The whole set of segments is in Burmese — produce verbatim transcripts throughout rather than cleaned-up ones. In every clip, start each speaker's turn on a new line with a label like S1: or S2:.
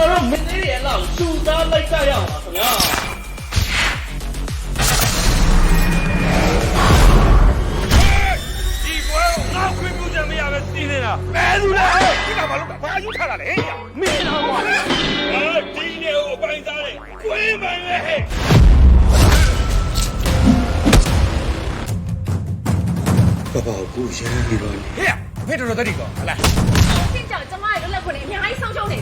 S1: တော်မင်းလေးရဲ့လောက်စူသားလိုက်ကြရအောင်ပါခင်ဗျာ
S2: ဒီကွယ်ငါခွင့်ပြုချက်မရပဲစီးနေတာဘယ်သူလဲဒီကဘာလို့ဘာယူထားတာလဲမင်းတော့ကွာဒီနေကိုပိုင်းစားတယ်ခွင့်ပိုင်လေဟဲ့
S3: 爸爸，我先给了你。
S2: ဟဲ့ဖေးတော်တော်တတိကောဟလား
S4: ရှင်းကြောင်ကျမရဲ့လွတ်လပ်ခွင့်အများကြီးဆုံးရှုံးနေ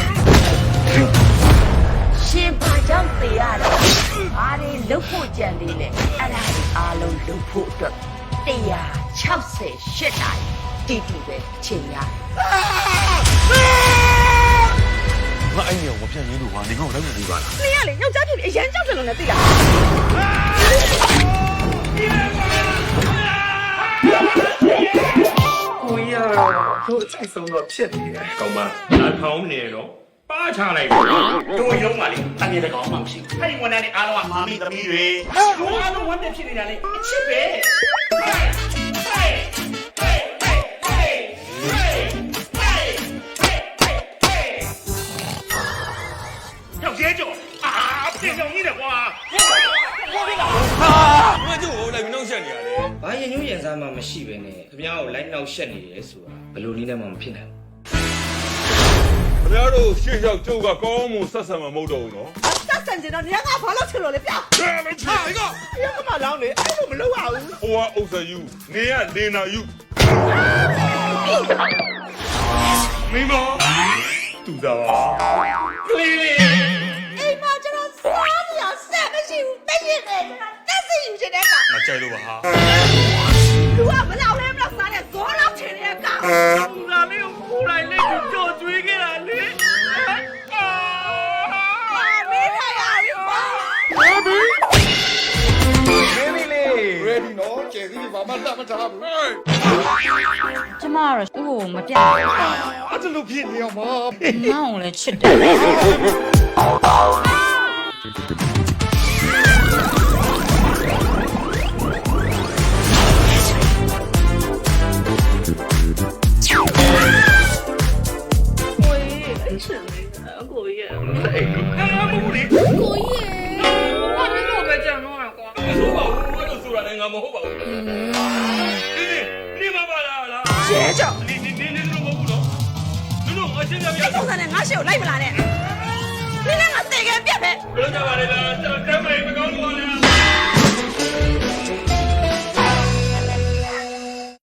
S4: ရှင်ဘာကြောင့်သိရတယ်။အားလေးလုတ်ဖို့ကြံသေးလေ။အဲ့ဒါဒီအားလုံးလုတ်ဖို့အတွက်one sixty-eightနိုင်တီတီပဲချိန်ရတယ်
S3: 我哎呀，我骗你录啊！你跟我来录吧。
S4: ။你ရလေယောက်ျားဖြစ်ပြီးအရန်ကြောက်တယ်လို့လည်းသိလား
S2: ကိုရတို့စိတ်ဆုံးတော့ဖြစ်နေတယ်ကောင်းမလာထောင်းနေတော့ပါချလိုက်
S5: တို့ရုံးပါလေတန်ရတဲ့ကောင်မှမရှိဘူးအဲ့ဒီဝန်ထမ်းတွေအားလုံးကမာမီသမီးတွေတို့အားလုံးဝန်ထမ်းဖြစ်နေတာလေအချစ်ပဲယောက်ျားကျော်အာပြင်ကြောင်ကြီးတယ်ကွာဟုတ်ပြီလား
S2: ဟာငါကျို့ကိုလိုက်ပြီးနှောက်ရှက်နေရတယ်
S6: ဘာရင်ညွှန်းရင်စားမှမရှိပဲနဲ့ခင်ဗျားကိုလိုက်နှောက်ရှက်နေတယ်ဆိုတာဘယ်လိုနည်းနဲ့မှမဖြစ်နိုင်
S2: ဘူးခင်ဗျားတို့ရှေ့လျှောက်ကျုပ်ကကောင်းမှုဆက်ဆံမှာမဟုတ်တော့ဘူးနော်
S4: တက်ဆန်ကျင်တော့နေကဘာလို့ချစ်လို့လဲပြော
S2: ဘယ်လိုချစ်လဲက
S4: ရကမလောင်းလေအဲ့လိုမလုပ်ရဘူး
S2: ဟိုကအုပ်စယူနေရလင်းနာယူမင်းမတူတာကလေးလေး
S4: အိမ်မှာကျွန်တော်စားမရဆက်မရှိဘူးတည့်ရနေကျွန်တော်တက်စီယူချင်တဲ့က
S2: ငါကြိုက်လို့ပါဟာ
S4: လူကမလောက်လဲမလောက်စားတဲ့ဂေါ်လောက်ချင်တဲ့က
S2: လူလာလေးကိုပူလိုက်လေးကိုကြော်ကျွေးခဲ့တာလေ
S4: မင်းထိုင်ရပြီပါ
S2: Baby လေး
S3: ready နော်ကျဲစီဘာမှတတ်မထားဘူး
S7: ကျမကတော့သူ့ကိုမပြတ်ဘူး
S3: အဲ့ဒါလို့ဖြစ်နေအောင်မ
S7: မောင်ကိုလည်းချစ်တယ်
S1: ကိုကြီးရဲ့
S2: အဲ့ဒါမဟုတ်လေ
S4: ကိုကြီးရေ
S1: ဘာလို့ပဲကြံတော့ကွာ
S2: မဟုတ်ပါဘူးဘာလို့ဆိုတာလဲငါမဟုတ်ပါဘူးဒီနေ့နေမပါလားလား
S4: ရဲကြောင့်
S2: နေနေနေနေလို့မဟုတ်ဘူးနော်လူတို့အချင်းချင်းပြရ
S4: ပုံစံနဲ့ငါရှေ့ကိုလိုက်မလာနဲ့နင်းလည်းငါတေခဲပြက်ပဲ
S2: ဘယ်လိုကြပါလဲလားကျွန်တော်တမ်းမိုင်မကောင်းလို့လေ